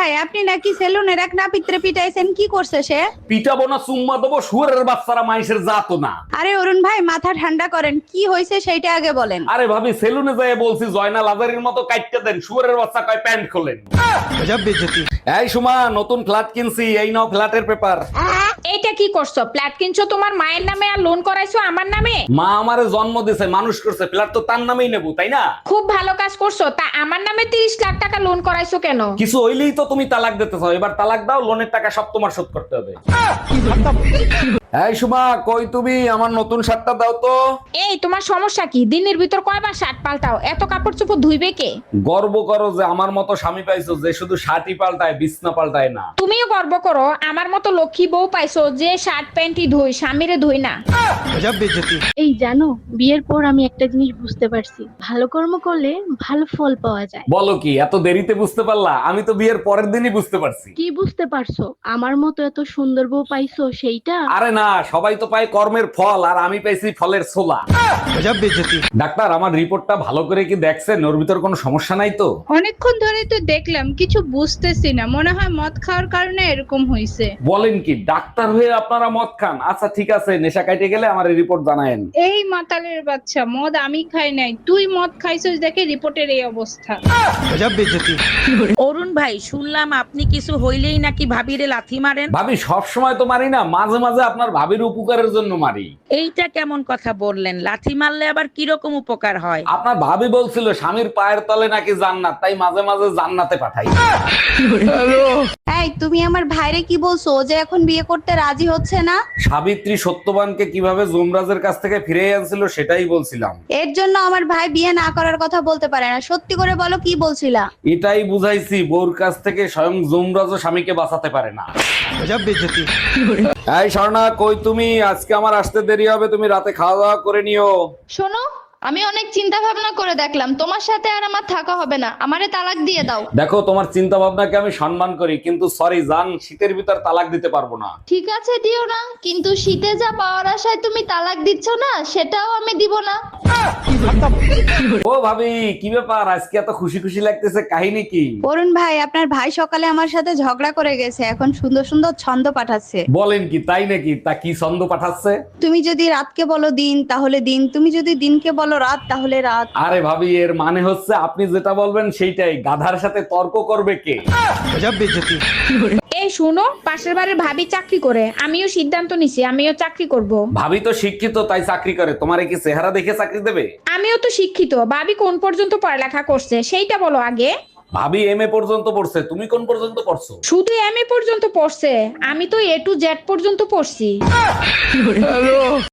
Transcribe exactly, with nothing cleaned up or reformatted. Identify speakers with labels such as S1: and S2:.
S1: ভাই, আপনি নাকি সেলুনের এক নাপিত্রে পিটাইছেন, কি করছে সে?
S2: পিটাবো না চুম্মা দেবো, শুয়ারের বাচ্চারা মাইসের জাতো না।
S1: আরে অরুণ ভাই, মাথা ঠান্ডা করেন, কি হয়েছে সেইটা আগে বলেন।
S2: আরে ভাবি, সেলুনে যাই বলছি জয়না লাজারির মতো কাটতে দেন, শুয়ারের বাচ্চা কয় প্যান্ট খোলেন। এই সুমা, নতুন ফ্ল্যাট কিনছি, এই নাও ফ্ল্যাটের পেপার।
S3: এইটা কি করছো? ফ্ল্যাট কিনছো তোমার মায়ের নামে আর লোন করাইছো আমার নামে?
S2: মা আমারে জন্ম দিছে, মানুষ করছে, ফ্ল্যাট তো তার নামেই নেবো, তাই না?
S3: খুব ভালো কাজ করছো। তা আমার নামে তিরিশ লাখ টাকা লোন করাইছো কেন?
S2: কিছু হইলেই তো তুমি তালাক দিতে চাও, এবার তালাক দাও, লোনের টাকা সব তোমার শোধ করতে হবে। এই সুমা, কই তুমি? আমার নতুন শার্টটা দাও তো।
S3: এই তোমার সমস্যা কি? দিনের ভিতর কয়বার শার্ট পাল্টাও? এত কাপড় চোপড় ধুইবে কে?
S2: গর্ব করো যে আমার মতো স্বামী পাইছো, যে শুধু শার্টই পাল্টায়, বিছনা পাল্টায় না।
S3: তুমিও গর্ব করো আমার মতো লক্ষ্মী বউ পাইছো, যে শার্ট প্যান্টই ধুই, স্বামীরে ধুই না।
S4: এই জানো, বিয়ের পর আমি একটা জিনিস বুঝতে পারছি, ভালো কর্ম করলে ভালো ফল পাওয়া যায়।
S2: বলো কি, এত দেরিতে বুঝতে পারলা? আমি তো বিয়ের পরের দিনই বুঝতে পারছি।
S4: কি বুঝতে পারছো? আমার মতো এত সুন্দর বউ পাইছো সেইটা?
S2: আরে না, সবাই তো পায় কর্মের ফল, আর আমি পাইছি ফলের ছোলা। ডাক্তার, আমার রিপোর্টটা ভালো করে কি দেখছেন? ওর ভিতর কোনো সমস্যা নাই তো?
S1: অনেকক্ষণ ধরে তো দেখলাম, কিছু বুঝতেছি না, মনে হয় মদ খাওয়ার কারণে এরকম হয়েছে।
S2: বলেন কি, ডাক্তার হয়ে আপনারা মদ খান? আচ্ছা ঠিক আছে, নেশা কাটে গেলে আমার রিপোর্ট জানায়েন।
S1: এই মাতালের বাচ্চা, মদ আমি খাই নাই, তুই মদ খাইছিস দেখে রিপোর্টের এই অবস্থা।
S5: অরুণ ভাই, শুনলাম আপনি কিছু হইলেই নাকি ভাবিরে লাথি মারেন।
S2: ভাবি, সব সময় তো মারি না, মাঝে মাঝে আপনার ভাবির উপকারের জন্য মারি।
S5: এইটা কেমন কথা বললেন? লাথি মারলে আবার কিরকম উপকার হয়?
S2: আপনার ভাবি বলছিল স্বামীর পায়ের তলে নাকি জান্নাত, তাই মাঝে মাঝে জান্নাতে পাঠাই।
S1: এই, তুমি আমার ভাইরে কি বলছো? ও যে এখন বিয়ে করতে রাজি হচ্ছে না।
S2: সাবিত্রী সত্যবানকে কিভাবে যমরাজের কাছ থেকে ফিরে আনছিল সেটাই বলছিলাম।
S1: এর জন্য আমার ভাই বিয়ে না করার কথা বলতে পারে না। সত্যি করে বলো, কি বলছিলা?
S2: এটাই বুঝাইছি, বউর কাছ থেকে স্বয়ং যমরাজও স্বামীকে বাঁচাতে পারে না। এই স্বর্ণা, কই তুমি? আজকে আমার আসতে দেরি হবে, তুমি রাতে খাওয়া দাওয়া করে নিও।
S6: শোনো, আমি অনেক চিন্তা ভাবনা করে দেখলাম, তোমার সাথে আর আমার থাকা হবে না, আমারে তালাক দিয়ে দাও।
S2: দেখো, তোমার চিন্তা ভাবনাকে আমি সম্মান করি, কিন্তু সরি জান, শীতের ভিতর তালাক দিতে পারবো না।
S6: ঠিক আছে, দিও না, কিন্তু শীতে যা পাওয়ার আশায় তুমি তালাক দিচ্ছ না, সেটাও আমি দিব না।
S2: ও ভাবি, কি ব্যাপার? আজকে এত খুশি খুশি লাগতেছে, কাহিনী কি?
S1: অরুণ ভাই, আপনার ভাই সকালে আমার সাথে ঝগড়া করে গেছে, এখন সুন্দর সুন্দর ছন্দ পাঠাচ্ছে।
S2: বলেন কি, তাই নাকি? তা কি ছন্দ পাঠাচ্ছে?
S1: তুমি যদি রাতকে বলো দিন তাহলে দিন, তুমি যদি দিনকে বলো রাত তাহলে রাত।
S2: আরে ভাবি, এর মানে হচ্ছে আপনি যেটা বলবেন সেইটাই, গাধার সাথে তর্ক করবে কে?
S3: এই শুনো, পাশের বাড়ির ভাবি চাকরি করে, আমিও সিদ্ধান্ত নিছি আমিও চাকরি করব।
S2: ভাবি তো শিক্ষিত, তাই চাকরি করে, তোমার কি চেহারা দেখে চাকরি দেবে?
S3: আমিও তো শিক্ষিত, ভাবি কোন পর্যন্ত পড়ালেখা করছে সেইটা বলো আগে।
S2: ভাবি এম এ পর্যন্ত পড়ছে, তুমি কোন পর্যন্ত পড়ছো?
S3: শুধু এম এ পর্যন্ত পড়ছে, আমি তো এ টু জেড পর্যন্ত পড়ছি।